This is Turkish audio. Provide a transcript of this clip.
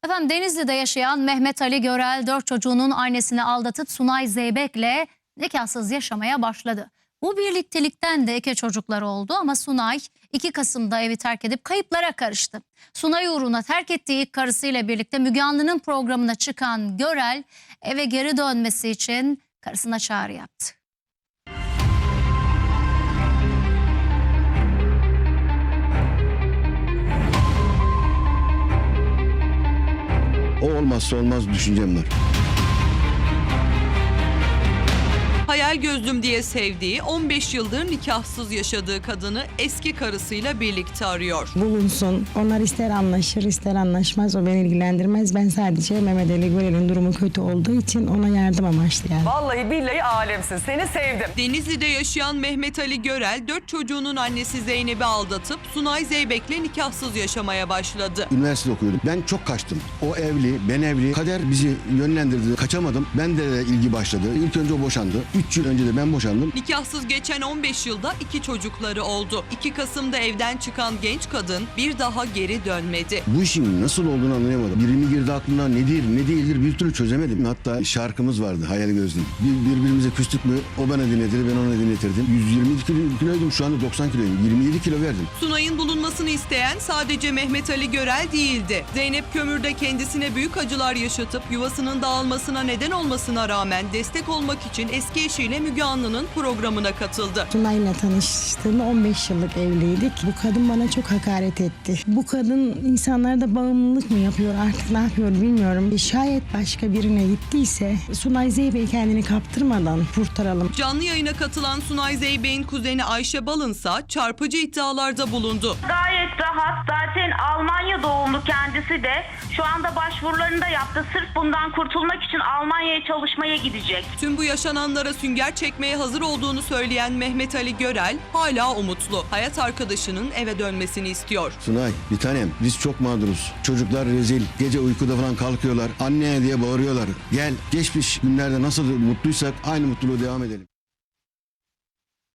Efendim Denizli'de yaşayan Mehmet Ali Görel 4 çocuğunun annesini aldatıp Sunay Zeybek'le nikahsız yaşamaya başladı. Bu birliktelikten de 2 çocukları oldu ama Sunay 2 Kasım'da evi terk edip kayıplara karıştı. Sunay uğruna terk ettiği ilk karısıyla birlikte Müge Anlı'nın programına çıkan Görel eve geri dönmesi için karısına çağrı yaptı. O olmazsa olmaz düşüncem var. Hayal gözlüm diye sevdiği, 15 yıldır nikahsız yaşadığı kadını eski karısıyla birlikte arıyor. Bulunsun. Onlar ister anlaşır ister anlaşmaz. O beni ilgilendirmez. Ben sadece Mehmet Ali Görel'in durumu kötü olduğu için ona yardım amaçlı yani. Vallahi billahi alemsin. Seni sevdim. Denizli'de yaşayan Mehmet Ali Görel 4 çocuğunun annesi Zeynep'i aldatıp Sunay Zeybek'le nikahsız yaşamaya başladı. Üniversite okuyordum. Ben çok kaçtım. O evli, ben evli. Kader bizi yönlendirdi. Kaçamadım. Ben de ilgi başladı. İlk önce o boşandı. 3 yıl önce de ben boşandım. Nikahsız geçen 15 yılda 2 çocukları oldu. 2 Kasım'da evden çıkan genç kadın bir daha geri dönmedi. Bu işin nasıl olduğunu anlayamadım. Biri mi girdi aklına, nedir, ne değildir bir türlü çözemedim. Hatta şarkımız vardı Hayal Gözlüm. Birbirimize küstük mü o bana dinletir, ben ona dinletirdim. 120 kiloydum, şu anda 90 kiloyum. 27 kilo verdim. Sunay'ın bulunmasını isteyen sadece Mehmet Ali Görel değildi. Zeynep Kömür'de kendisine büyük acılar yaşatıp yuvasının dağılmasına neden olmasına rağmen destek olmak için eski eşiyle Müge Anlı'nın programına katıldı. Sunay'la tanıştığımda 15 yıllık evliydik. Bu kadın bana çok hakaret etti. Bu kadın insanlarda bağımlılık mı yapıyor artık ne yapıyor bilmiyorum. Şayet başka birine gittiyse Sunay Zeybek'i kendini kaptırmadan kurtaralım. Canlı yayına katılan Sunay Zeybek'in kuzeni Ayşe Balınsa çarpıcı iddialarda bulundu. Gayet rahat. Zaten Almanya doğumlu kendisi de şu anda başvurularını da yaptı. Sırf bundan kurtulmak için Almanya'ya çalışmaya gidecek. Tüm bu yaşananlara sünger çekmeye hazır olduğunu söyleyen Mehmet Ali Görel hala umutlu. Hayat arkadaşının eve dönmesini istiyor. Sunay, bir tanem biz çok mağduruz. Çocuklar rezil. Gece uykuda falan kalkıyorlar. Anne diye bağırıyorlar. Gel geçmiş günlerde nasıl mutluysak aynı mutluluğu devam edelim.